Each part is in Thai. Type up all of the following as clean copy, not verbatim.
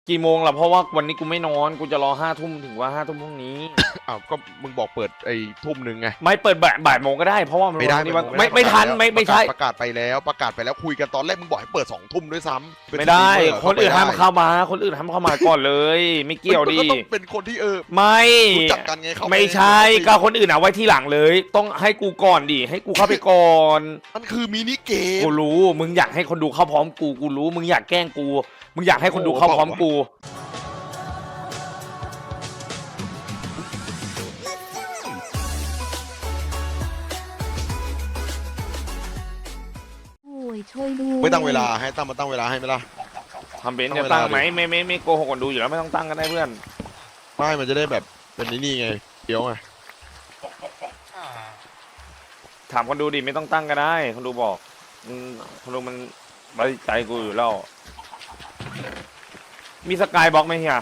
กี่โมงล่ะเพราะว่าวันนี้กูไม่นอนกูจะรอ5 ทุ่มถึงว่า5 ทุ่มพรุ่งนี้อ้าวก็มึงบอกเปิดไอ้ทุ่มหนึ่งไงไม่เปิดบ่ายโมงก็ได้เพราะว่ามันไม่ได้วันนี้ว่าไม่ไม่ทันแล้วไม่ใช่ประกาศไปแล้วคุยกันตอนแรกมึงบอกให้เปิด2 ทุ่มด้วยซ้ำเป็นไม่ได้สตรีมเมอร์คนอื่นห้ามไม่ได้เข้ามาคนอื่นห้ามเข้ามาก่อนเลย ไม่เกี่ยวดิมันก็ต้องเป็นคนที่ไม่รู้จักกันไงเขาไม่ใช่ก็คนอื่นเอาไว้ที่หลังเลย ต้องให้กูก่อนดิให้กูเข้าไปก่อนมันคือมินิเกมกูรู้มึงอยากให้คนดูเข้าพร้อมกูรู้มึงอยากแกล้งกูมึงอยากให้คนดูเข้าพร้อมกูโอ้ยช่วยด้วยไม่ตั้งเวลาให้มาตั้งเวลาให้ไหมล่ะทำเป็นต้องจะเวลาตั้งไหมดิไม่โกหกคนดูอยู่แล้วไม่ต้องตั้งก็ได้เพื่อนไม่มันจะได้แบบเป็นนี่ไงเดี๋ยวไงถามคนดูดิไม่ต้องตั้งก็ได้คนดูบอกคนดูมันไว้ใจกูอยู่แล้วมีสกายบล็อกไหมเฮีย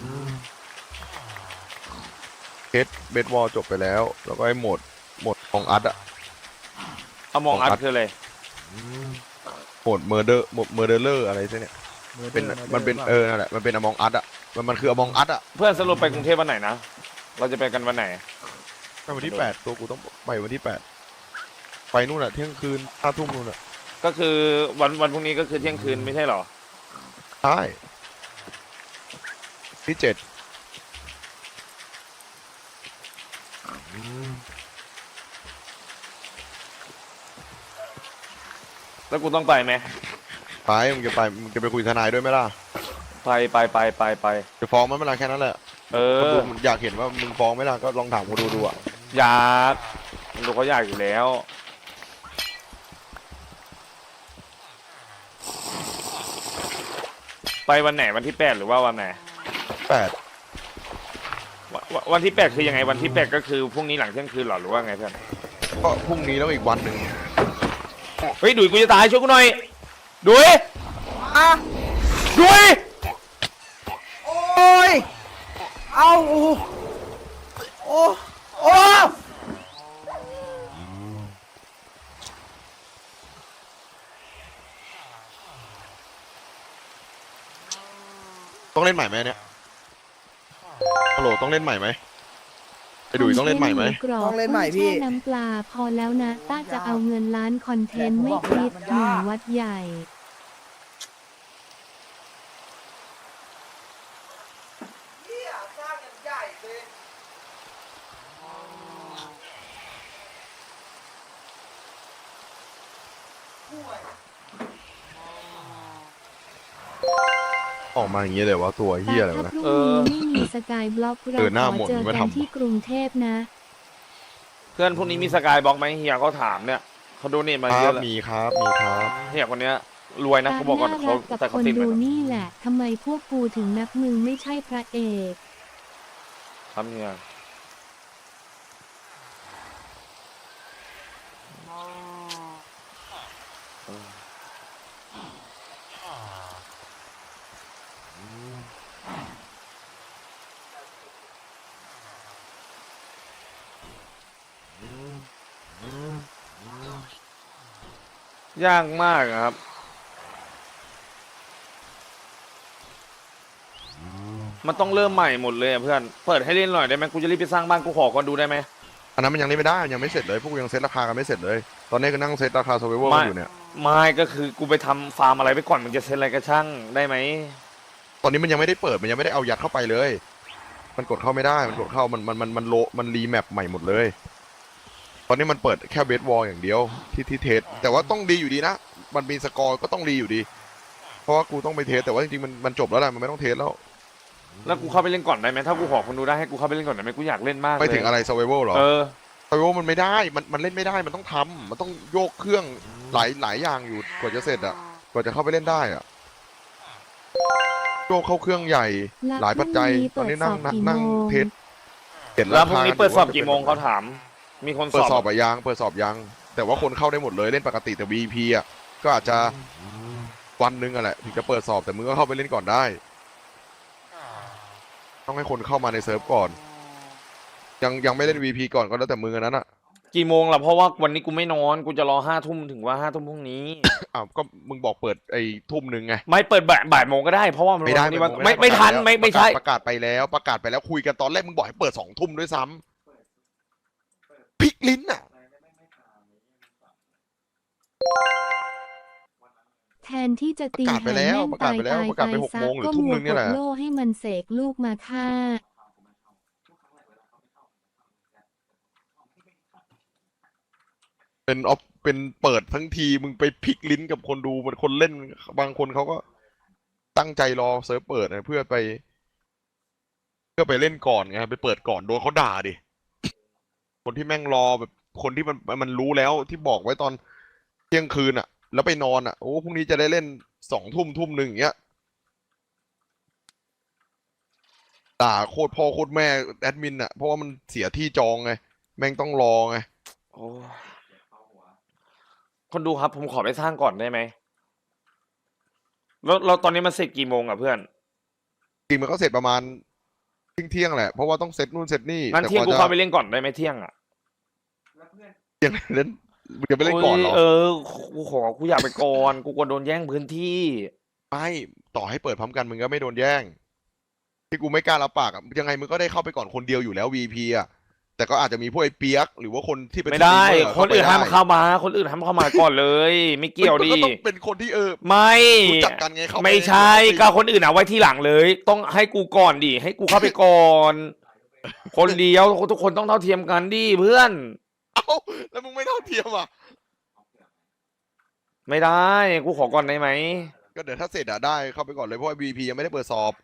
เบสบอลจบไปแล้วแล้วก็ไอ้โหมดของอัดอะเอามองอัดคืออะไรโหมดเมอร์เดอร์อะไรซะเนี่ยเป็นมันเป็นนั่นแหละมันเป็นอมองอัดอะมันคืออมองอัดอะเพื่อนสรุปไปกรุงเทพวันไหนนะเราจะไปกันวันไหนไปวันที่8ตัวกูต้องไปวันที่8ไปนู่นอะเที่ยงคืน5 ทุ่มนู่นอะก็คือวันพรุ่งนี้ก็คือเที่ยงคืนไม่ใช่เหรอใช่ที่7 แล้วกูต้องไปไหมไปมึงจะไปคุยทนายด้วยไหมล่ะไปจะฟ้องมันเวลาแค่นั้นแหละเอคนดูออยากเห็นว่ามึงฟ้องไหมล่ะก็ลองถามคนดูอะอยากคนดูเขาอยากอยู่แล้ว ไปวันไหนวันที่8หรือว่าวันไหน วันที่8คือยังไงวันที่8ก็คือพรุ่งนี้หลังเที่ยงคืนเหรอหรือว่าไงเพื่อนก็พรุ่งนี้แล้วอีกวันหนึ่งเฮ้ยดุยกูจะตายช่วยกูหน่อยดุยอ่ะดุยโอ้ย เอาโอ้โอ้โอ้ต้องเล่นใหม่ไหมเนี่ยฮัลโหลต้องเล่นใหม่ไหมไอ้ดุยต้องเล่นใหม่ไหมต้องเล่นใหม่พี่แช่น้ำปลาพอแล้วนะต้าจะเอาเงินล้านคอนเทนต์ไม่คิดหนึ่งวัดใหญ่ออกมาอย่างเงี้ยเลยว่าตัวเฮียอะไรถ้าวะนะพรุ่งนี้ไม่มีสกายบล็อกเราหน้าขหมอดเจอไม่กันทำที่กรุงเทพนะเพื่อนพรุ่งนี้มีสกายบล็อกไหมเฮียเขาถามเนี่ยเขาโดเนทมาคเยรัอะบแล้วมีครับเฮียคนเนี้ยรวยนะตาเขาบอกก่อนน่าเขารักกับแต่คเขานติดไปดูนะนี่แหละทำไมพวกกูถึงนับมึงไม่ใช่พระเอกครับเฮียยากมากอะครับ มันต้องเริ่มใหม่หมดเลยอะเพื่อน เปิดให้เล่นหน่อยได้ไหมกูจะรีบไปสร้างบ้านกูขอก่อนดูได้ไหมอันนั้นมันยังเล่นไม่ได้ยังไม่เสร็จเลยพวกกูยังเซตราคากันไม่เสร็จเลย ตอนนี้ก็นั่งเซตราคา survival กันอยู่เนี่ยไม่ก็คือกูไปทำฟาร์มอะไรไปก่อนมึงจะเซ็นอะไรก็ช่างได้ไหมตอนนี้มันยังไม่ได้เปิดมันยังไม่ได้เอายัดเข้าไปเลย มันกดเข้าไม่ได้มันกดเข้ามันรีแมปใหม่หมดเลย ตอนนี้มันเปิดแค่เบสวอลอย่างเดียวที่เทสแต่ว่าต้องดีอยู่ดีนะมันมีสกอร์ก็ต้องดีอยู่ดี เพราะว่ากูต้องไปเทสแต่ว่าจริงๆมันจบแล้วแหละมันไม่ต้องเทสแล้วแล้วกูเข้าไปเล่นก่อนได้ไหมถ้ากูขอคนดูได้ให้กูเข้าไปเล่นก่อนได้ไหมกูอยากเล่นมากเลยไปถึงอะไร survival เหรอเออ survival มันไม่ได้มันเล่นไม่ได้มันต้องทำมันต้องโยกเครื่องหลายอย่างอยู่กว่าจะเสร็จอ่ะกว่าจะเข้าไปเล่นได้อ่ะโยกเข้าเครื่องใหญ่หลายปัจจัยตอนนี้นั่งเทสเห็นแล้วพรุ่งนี้เปิดสอบว่ากี่โมงเขาถาม มีคนเปิดสสออบบ อะยังเปิดสอบยังแต่ว่าคนเข้าได้หมดเลยเล่นปกติแต่ VP อ่ะก็อาจจะวันหนึงอ่ะแหละถึงจะเปิดสอบแต่มึงก็เข้าไปเล่นก่อนได้ ต้องให้คนเข้ามาในเซิร์ฟก่อนยังไม่เล่น VP ก่อนก็แล้วแต่มึงอันนั้นอ่ะกี่โมงล่ะเพราะว่าวันนี้กูไม่นอนกูจะรอ5 ทุ่มถึงว่า5 ทุ่มพรุ่งนี้อ้าวก็มึงบอกเปิดไอ้ทุ่มหนึ่งไงไม่เปิดบ่ายโมงก็ได้เพราะว่ามันไม่ได้วันนี้ไม่ไม่ทันแล้วไม่ใช่ประกาศไปแล้วคุยกันตอนแรกมึงบอกให้เปิด2 ทุ่มด้วยซ้ำพลิกลิ้นอ่ะแทนที่จะตีประกาศไปแห่แล้วแม่งประกาศตายไปแล้วตายประกาศไปไป6 ซัโมกงหรือก็ทุ่มมัหวนึ่งกเนี่ยแหดละโล่ให้มันเสกลูกมาฆ่าเป็นเปิดทั้งทีมึงไปพลิกลิ้นกับคนดูมันคนเล่นบางคนเขาก็ตั้งใจรอเซิร์ฟเปิดนะเพื่อไปเล่นก่อนไงไปเปิดก่อนโดนเขาด่าดิคนที่แม่งรอแบบคนที่มันรู้แล้วที่บอกไว้ตอนเที่ยงคืนอ่ะ แล้วไปนอนอ่ะโอ้พรุ่งนี้จะได้เล่น2 ทุ่ม 1อย่างเงี้ยด่าโคตรพ่อโคตรแม่แอดมินอ่ะเพราะว่ามันเสียที่จองไงแม่งต้องรอไงโอ้คนดูครับผมขอไปสร้างก่อนได้ไหมแล้วตอนนี้มันเสร็จกี่โมงอ่ะเพื่อนจริงมันก็เสร็จประมาณเที่ยงแหละเพราะว่าต้องเซตนู่นเซตนี่งั้นแต่เที่ยงกกูว่าเข้าจะไปเล่นก่อนได้ไหมเที่ยงอ่ะเที่ยงเล่นมึงจะไปเล่นก่อนเหรอโยกูอยากไปก่อนกูกลัวโดนแย่งพื้นที่ไม่ต่อให้เปิดพร้อมกันมึงก็ไม่โดนแย่งที่กูไม่กล้ารับปากอะยังไงมึงก็ได้เข้าไปก่อนคนเดียวอยู่แล้ว VP อ่ะแต่ก็อาจจะมีพวกไอ้เปียกหรือว่าคนที่เป็นไม่ได้สตรีมเมอร์คนอื่นห้ามไปได้เข้ามา คนอื่นห้ามเข้ามาก่อนเลย ไม่เกี่ยวมันดิก็ต้องเป็นคนที่ไม่รู้จักกันไงเข้าปไม่ใช่ก็คนอื่นเอาไว้ที่หลังเลย ต้องให้กูก่อนดิให้กูเข้าไปก่อน คนเดียวทุกคนต้องเท่าเทียมกันดิเพื่อนเอ้าแล้วมึงไม่เท่าเทียมอ่ะไม่ได้กูขอก่อนได้ไหมก็เดี๋ยวถ้าเสร็จอะได้เข้าไปก่อนเลยเพราะว่า VP ยังไม่ได้เปิดสอบ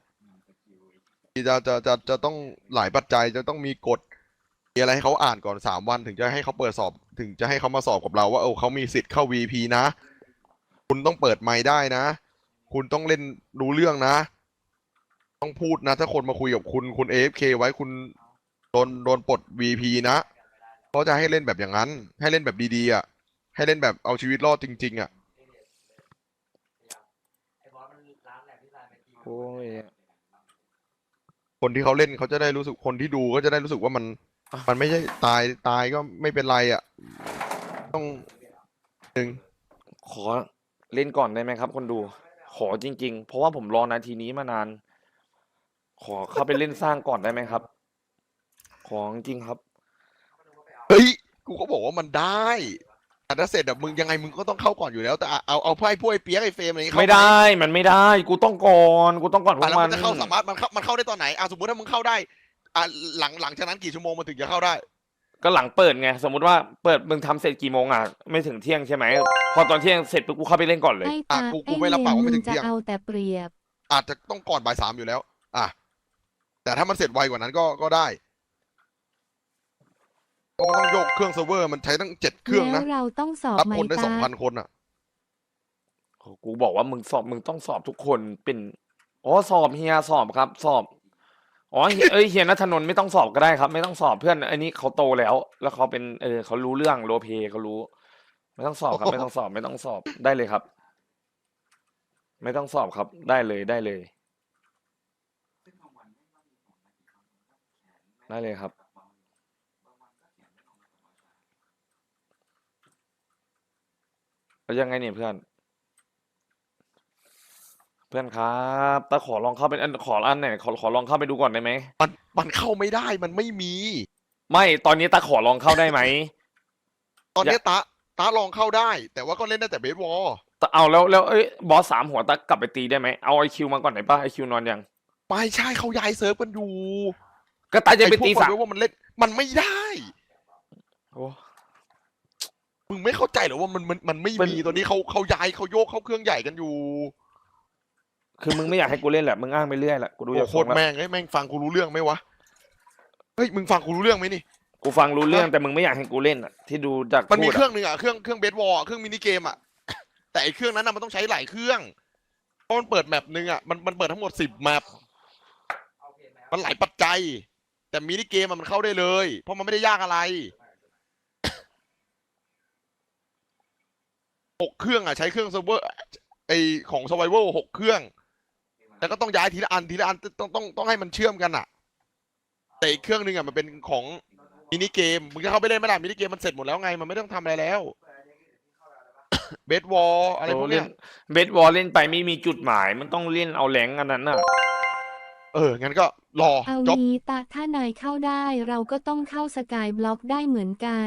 จะต้องหลายปัจจัยจะต้องมีกฎมีอะไรให้เขาอ่านก่อน3 วันถึงจะให้เขาเปิดสอบถึงจะให้เขามาสอบกับเราว่าเขามีสิทธิ์เข้า VP นะ คุณต้องเปิดไมค์ได้นะ คุณต้องเล่นรู้เรื่องนะ ต้องพูดนะ ถ้าคนมาคุยกับคุณ AFK ไว้คุณโดนปลด VP นะเขาจะให้เล่นแบบอย่างนั้น ให้เล่นแบบดีๆอ่ะให้เล่นแบบเอาชีวิตรอดจริงๆอ่ะโอ้ยคนที่เขาเล่นเขาจะได้รู้สึกคนที่ดูก็จะได้รู้สึกว่ามันไม่ใช่ตายก็ไม่เป็นไรอ่ะต้องหนึ่งขอเล่นก่อนได้ไหมครับ คนดู ขอจริง ๆ เพราะว่าผมรอนาทีนี้มานาน ขอเข้าไปเล่นสร้างก่อนได้ไหมครับ ของจริงครับเฮ้ยกูก็บอกว่ามันได้แต่ถ้าเสร็จแบบมึงยังไงมึงก็ต้องเข้าก่อนอยู่แล้วแต่เอาไพ่พวกไอ้เปียกไอ้เฟรมอะไรอย่างงี้เข้าไม่ได้มันไม่ได้ กูต้องก่อนพวแล้วกมันมันจะเข้าสามารถมันเข้าได้ตอนไหนสมมติถ้ามึงเข้าได้หลังจากนั้นกี่ชั่วโมงมันถึงจะเข้าได้ก็หลังเปิดไงสมมติว่าเปิดมึงทำเสร็จกี่โมงอ่ะไม่ถึงเที่ยงใช่ไหมพอตอนเที่ยงเสร็จปุ๊บกูเข้าไปเล่นก่อนเลยไอ้ตากูไอ้ไม่เลรับปากนว่ามึไม่ถึงงจะเที่ยงเอาแต่เปรียบอาจจะต้องก่อนบ่าย 3อยู่แล้วแต่ถ้ามันเสร็จไวกว่านั้นก็ได้เพราะมันต้องโยกเครื่องเซิร์ฟเวอร์มันใช้ตั้ง7 เครื่องแล้นะวเราต้องสอบรับไหมคนได้ตา 2,000 คนอ่ะกูบอกว่ามึงต้องสอบทุกคนเป็นอ๋อสอบเฮียสอบครับ สอบอ๋อเฮียณัฐนนท์ไม่ต้องสอบก็ได้ครับ ไม่ต้องสอบเพื่อนอันนี้เขาโตแล้ว แล้วเขาเป็นเขารู้เรื่องโรลเพลย์เขารู้ ไม่ต้องสอบครับ ไม่ต้องสอบไม่ต้องสอบได้เลยครับ ไม่ต้องสอบครับได้เลยได้เลยครับแล้วยังไงเนี่ยเพื่อนครับแต่ขอลองเข้าเป็นขออันไหนขอลองเข้าไปดูก่อนได้ไหมมันเข้าไม่ได้มันไม่มีไม่ตอนนี้ตาขอลองเข้าได้ไหมตอนนี้ตาลองเข้าได้ แต่ว่าก็เล่นได้แต่เบสวอลแต่เอาแล้วบอส3 หัวตากลับไปตีได้ไหมเอาไอคิวมาก่อนไหนป่ะไอคิวนอนยังไม่ใช่เขาย้ายเซิร์ฟกันอยู่ก็ตาจะไปตีไอ้พวก 3 คนว่ามันเล่นมันไม่ได้โอ้มึงไม่เข้าใจเหรอว่ามันไม่เป็นมีตอนนี้เขาย้ายเขาโยกเข้าเครื่องใหญ่กันอยู่คือมึงไม่อยากให้กูเล่นแหละมึงอ้างไปเรื่อยแหละกูดูโอ้จากโคทรตงรแล้วแม่งไอ้แม่งฟังกูรู้เรื่องไหมวะเฮ้ยมึงฟังกูรู้เรื่องไหมนี่กูฟังรู้เรื่องแต่มึงไม่อยากให้กูเล่นอ่ะที่ดูจากมันมีพูดเครื่องหนึ่งเครื่องเบสวอลเครื่องมินิเกมแต่ไอ้เครื่องนั้นมันต้องใช้หลายเครื่องเพราะมันเปิดแมปหนึ่งมันเปิดทั้งหมด10 แมปมันหลายปัจจัย แต่มินิเกมมันเข้าได้เลยเพราะมันไม่ได้ยากอะไร6 เครื่องใช้เครื่องเซิร์ฟเวอร์ไอของ Survival 6 เครื่องแล้วก็ต้องย้ายทีละอันต้องให้มันเชื่อมกันแต่อีกเครื่องหนึ่งมันเป็นของมินิเกมมึงจะเข้าไปเล่นไหมล่ะมินิเกมมันเสร็จหมดแล้วไงมันไม่ต้องทำอะไรแล้ว เบสวอลอะไรพวกเล่เนี้นยเบสบอลเล่นไปไม่มีจุดหมาย มันต้องเล่นเอาแหลงอันนั้นน่ะงั้นก็รอเอาจบงี้ตาถ้านายเข้าได้เราก็ต้องเข้าสกายบล็อกได้เหมือนกัน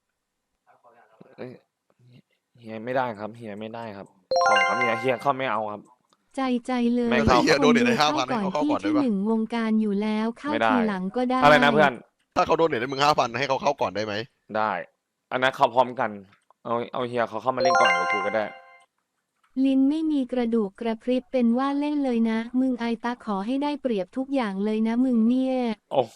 เฮียไม่ได้ครับเฮียไม่ได้ครับของครับเฮียเข้าไม่เอาครับใจเลยไม่เข้าเฮียโดนเดี๋ยวได้เข้า 5,000ให้ก่อนเขาเข้าที่ก่อนได้ที่ปะหนึ่งวงการอยู่แล้วเข้าไม่ได้ทีหลังก็ได้อะไรนะเพื่อนถ้าเขาโดนเดี๋ยวได้มึง5,000ให้เขาเข้าก่อนได้ไหมได้ อันนั้นเข้าพร้อมกัน เอาเฮียเขาเข้ามาเล่นก่อนกับกูก็ได้ลิ้นไม่มีกระดูกกระพริบเป็นว่าเล่นเลยนะ มึงไอตาขอให้ได้เปรียบทุกอย่างเลยนะมึงเนี่ยโอ้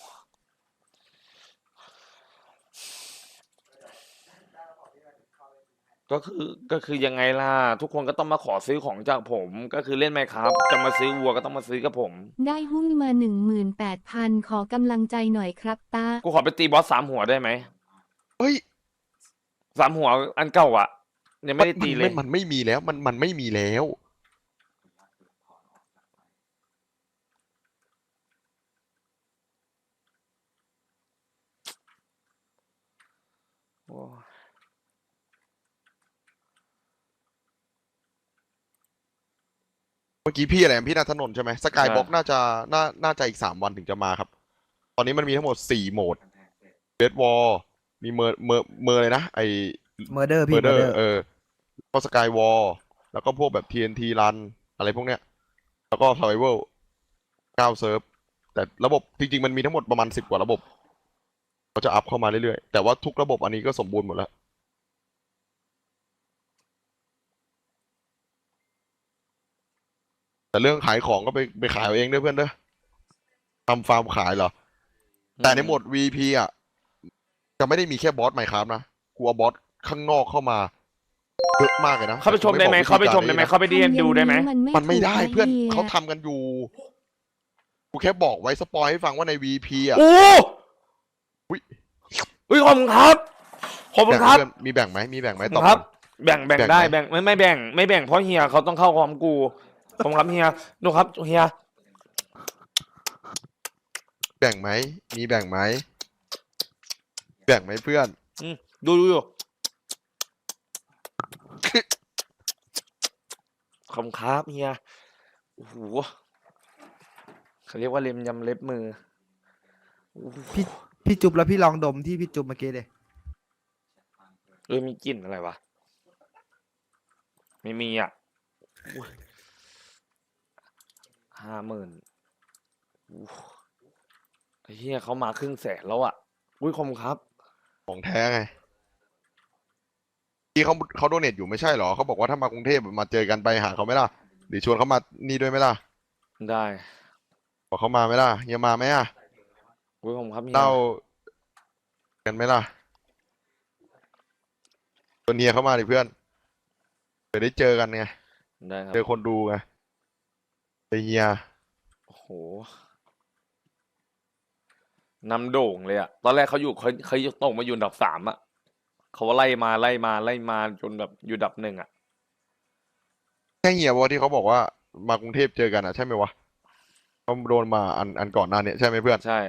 ก็คือยังไงล่ะ ทุกคนก็ต้องมาขอซื้อของจากผม ก็คือเล่นไหมครับ จะมาซื้อวัวก็ต้องมาซื้อกับผมได้หุ้นมา 18,000 ขอกำลังใจหน่อยครับตากูขอไปตีบอส3 หัวได้ไหมเฮ้ย 3 หัวอันเก่าอ่ะยังไม่ได้ตีเลยมันไม่มีแล้วมันไม่มีแล้วโอ้เมื่อกี้พี่อะไรพี่นัทนนท์ใช่ไหมสกายบ็อกน่าจะอีก3 วันถึงจะมาครับ ตอนนี้มันมีทั้งหมด4 โหมดเบสวอลมีเมอร์เลยนะไอเมอร์เดอร์เมพี่อร์เดอเมอร์เดอร์ร์ก็สกายวอลแล้วก็พวกแบบ TNT รันอะไรพวกเนี้ยแล้วก็ Survival 9 เซิร์ฟแต่ระบบจริงๆมันมีทั้งหมดประมาณ10 กว่าระบบเขาจะอัพเข้ามาเรื่อยๆแต่ว่าทุกระบบอันนี้ก็สมบูรณ์หมดแล้วแต่เรื่องขายของก็ไปขายเอาเองด้วยเพื่อนเด้อทำฟาร์มขายเหรอแต่ในโหมด VP อ่ะจะไม่ได้มีแค่บอสไมค์ครับนะกูเอาบอสข้างนอกเข้ามาเยอะมากเลยนะเข้าไปชมได้ไหมแต่เข้าไปชมได้ไหมนะเข้าไปดีนดูได้ไหมมันไม่ได้ถูกะเพื่อนฮียเขาทำกันอยู่กูแค่บอกไว้สปอยให้ฟังว่าใน VP อ่ะโอ้อุ๊ยอุ้ยขอบคุณครับขอบคุณครับแบ่งเพื่อนมีแบ่งไหมมีแบ่งไหมขอบตคุอบณครับก่อนแบ่งแบ่งได้ไหมแบ่งไม่แบ่งไม่แบ่งเพราะเฮียเขาต้องเข้าพร้อมกูขอบคุณครับเฮียดูครับเฮียแบ่งไหมมีแบ่งไหมแบ่งไหมเพื่อนดูอยู่ขอบคุณครับเฮียโอ้โหเขาเรียกว่าเล็มยำเล็บมือโอ้โหพี่จุ๊บแล้วพี่ลองดมที่พี่จุ๊บเมื่อกี้เลยมีกลิ่นอะไรวะไม่มีอ่ะอุ๊ย50,000อู้ไอ้เฮียเขามา500,000แล้วอ่ะอุ้ยขอบคุณครับของแท้ไงที่เขาโดเนทอยู่ไม่ใช่เหรอเขาบอกว่าถ้ามากรุงเทพมาเจอกันไปหาเขาไหมล่ะหรือชวนเขามานี่ด้วยไหมล่ะได้บอกเขามาไหมล่ะเฮียมาไหมอ่ะอุ้ยขอบคุณครับเฮียเล่ากันไหมล่ะชวนเฮียเข้ามาดิเพื่อนเดี๋ยวได้เจอกันไงได้ครับเจอคนดูไงเฮียโอ้โหนำโด่งเลยอ่ะตอนแรกเขาตกมาอยู่อันดับ3อ่ะเขาไล่มาจนแบบอยู่อันดับ1อ่ะแค่เฮียวะที่เขาบอกว่ามากรุงเทพเจอกันอ่ะใช่ไหมวะเขาโดนมาอันก่อนหน้าเนี่ยใช่ไหมเพื่อนใช่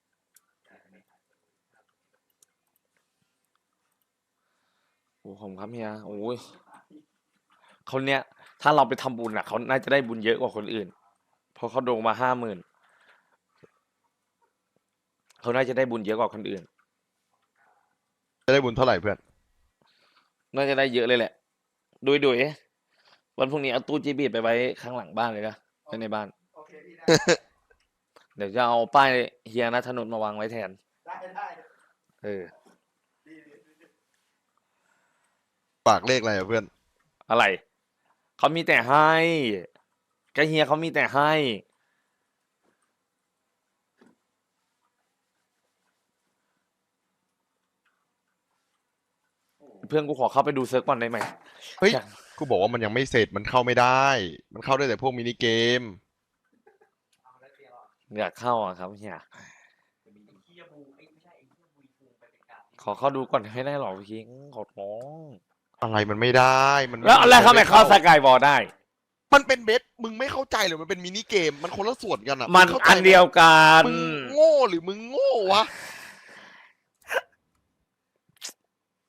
โอ้ผมครับเฮียโอ้ยเขาเนี้ยถ้าเราไปทำบุญอ่ะเขาน่าจะได้บุญเยอะกว่าคนอื่นเพราะเขาโด่งมา50,000เขาน่าจะได้บุญเยอะกว่าคนอื่นจะได้บุญเท่าไหร่เพื่อนน่าจะได้เยอะเลยแหละดูวันพรุ่งนี้เอาตู้จีบีไปไว้ข้างหลังบ้านเลยนะไว้ในบ้าน เดี๋ยวจะเอาป้ายเฮียนัทนนท์มาวางไว้แทนได้ฝากเลขอะไรอ่ะเพื่อนอะไร เขามีแต่ให้กเฮียเขามีแต่ให้ เพื่อนกูขอเข้าไปดูเซิร์ฟก่อนได้ไหมเฮ้ยอยากกูบอกว่ามันยังไม่เสร็จมันเข้าไม่ได้ มันเข้าได้แต่พวกมินิเกมอยากเข้าอ่ะครับเฮียขอเข้าดูก่อนให้ได้หรอพี่ขอร้องอะไรมันไม่ได้มันแล้วอะไรเข้าไม่เข้าสกายบอลได้มันเป็นเบสมึงไม่เข้าใจหรือมันเป็นมินิเกมมันคนละส่วนกันอ่ะมันงข้าใจอันเดียวกันมึงโง่หรือมึงโง่วะ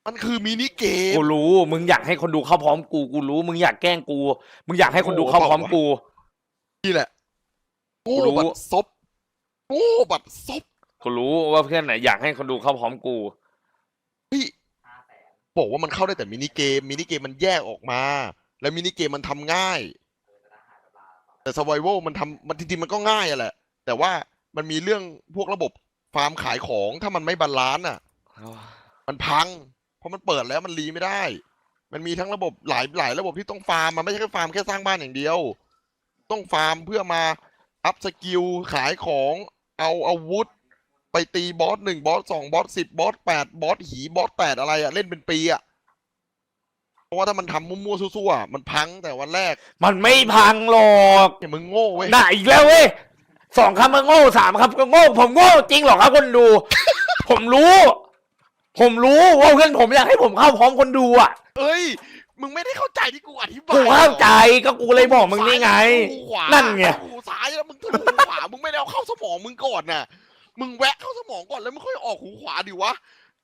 มันคือมินิเกมกูรู้มึงอยากให้คนดูเข้าพร้อมกูกูรู้มึงอยากแกล้งกูมึงอยากให้คนดูเข้าพร้อมกูนี่แหละโง่กูรู้บัดซบโง่บัดซบกูรู้ว่าเพื่อนไหนอยากให้คนดูเข้าพร้อมกูเฮ้ยบอกว่ามันเข้าได้แต่มินิเกมมันแยกออกมา แล้วมินิเกมมันทำง่าย แต่ส u r v i v a l มันทำมันจริงๆมันก็ง่ายอะแหละ แต่ว่ามันมีเรื่องพวกระบบฟาร์มขายของถ้ามันไม่บาลานซ์อ่ะ มันพัง เพราะมันเปิดแล้วมันรีไม่ได้ มันมีทั้งระบบหลายระบบที่ต้องฟาร์มมันไม่ใช่แค่ฟาร์มแค่สร้างบ้านอย่างเดียว ต้องฟาร์มเพื่อมาอัพสกิลขายของเอาอาวุธ ไปตีบอส1บอส2บอส10บอส8บอสหีบอส8อะไรอะเล่นเป็นปีอะเพราะว่าถ้ามันทำมั่วๆซั่วๆอะมันพังแต่วันแรกมันไม่พังหรอกเนี่ยมึงโง่เว้ยน่ะอีกแล้วเว้ย2 คำมันโง่3 คำก็โง่ผมโง่จริงเหรอครับคนดู ผมรู้ ว่าเพื่อนผมอยากให้ผมเข้าพร้อมคนดูอ่ะเอ้ยมึงไม่ได้เข้าใจที่กูอธิบายกูเข้าใจก็กูเลยบอกมึงนี่ไงหูขวานั่นไงหูซ้ายแล้วมึงทะลุหูขวามึงไม่ได้เอาเข้าสมองมึงก่อนน่ะมึงแวะเข้าสมองก่อนแล้วมึงค่อยออกหูขวาดิวะ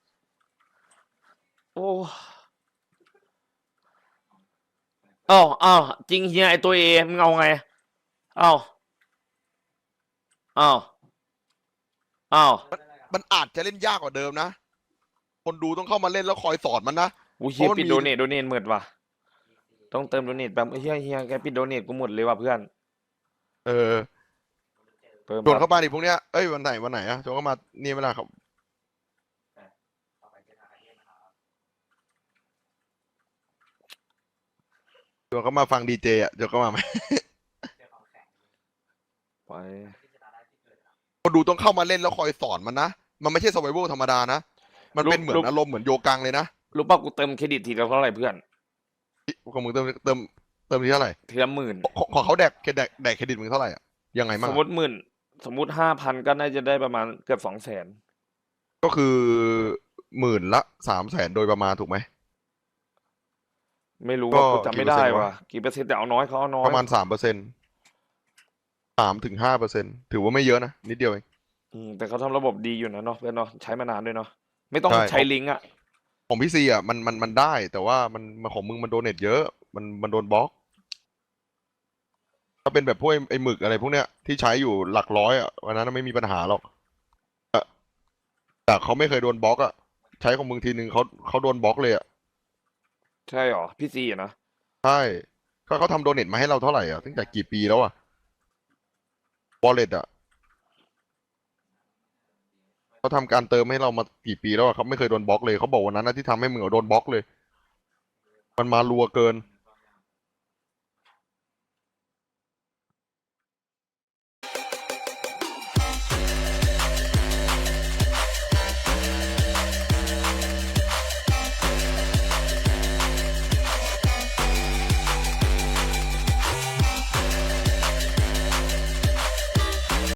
โอ้อ้าวจริงเฮียไอตัวเอมึงเอาไงอ้าวมันอาจจะเล่นยากกว่าเดิมนะคนดูต้องเข้ามาเล่นแล้วคอยสอนมันนะกูเฮียเพราะมันปิดมีโดเนทหมดว่ะต้องเติมโดเนทแบบเฮียแกปิดโดเนทกูหมดเลยว่ะเพื่อนเออเติมชวนเข้ามาดิพวกเนี้ยเอ้ยวันไหนอะชวนเข้ามานี่เวลาครับชวนเข้ามาฟังดีเจอะชวนเข้ามาไหมไปคนดูต้องเข้ามาเล่นแล้วคอยสอนมันนะมันไม่ใช่ survival ธรรมดานะมันเป็นเหมือนอารมณ์เหมือนโยกังเลยนะรู้ป่ะกูเติมเครดิตทีละเท่าไหร่เพื่อนของมึงเติมที่เท่าไหร่ทีละ10,000 ของเขาแดกเครดิตมึงเท่าไหร่อะยังไงสมั่งมอะมติ10,000 สมมติ5,000ก็น่าจะได้ประมาณเกือบ200,000 ก็คือ10,000 ละ300,000โดยประมาณถูกไหมไม่รู้ก็ว่ากูจำไม่ได้กี่เปอร์เซ็นต์วะว่ะกี่เปอร์เซ็นต์แต่เอาน้อยเขาเอาน้อยประมาณ3%3-5%ถือว่าไม่เยอะนะนิดเดียวเองแต่เขาทำระบบดีอยู่นะเนาะเพื่อนเนาะใช้มานานด้วยเนาะไม่ต้องใช่ใช้ลิงก์อ่ะของพี่ซีอ่ะมันได้แต่ว่ามันของมึงมันโดเนทเยอะมันโดนบล็อกถ้าเป็นแบบพวกไอ้หมึกอะไรพวกเนี้ยที่ใช้อยู่หลักร้อยอ่ะวันนั้นไม่มีปัญหาหรอกแต่เขาไม่เคยโดนบล็อกอ่ะใช้ของมึงทีนึงเขาโดนบล็อกเลยอ่ะใช่หรอพี่ซีอะนะใช่ก็เขาทำโดเนทมาให้เราเท่าไหร่อ่ะตั้งแต่กี่ปีแล้วอ่ะวอลเล็ตอ่ะเขาทำการเติมให้เรามากี่ปีแล้วอ่ะเขาไม่เคยโดนบล็อกเลยเขาบอกวันนั้นนะที่ทำให้มึงโดนบล็อกเลย มันมารัวเกิน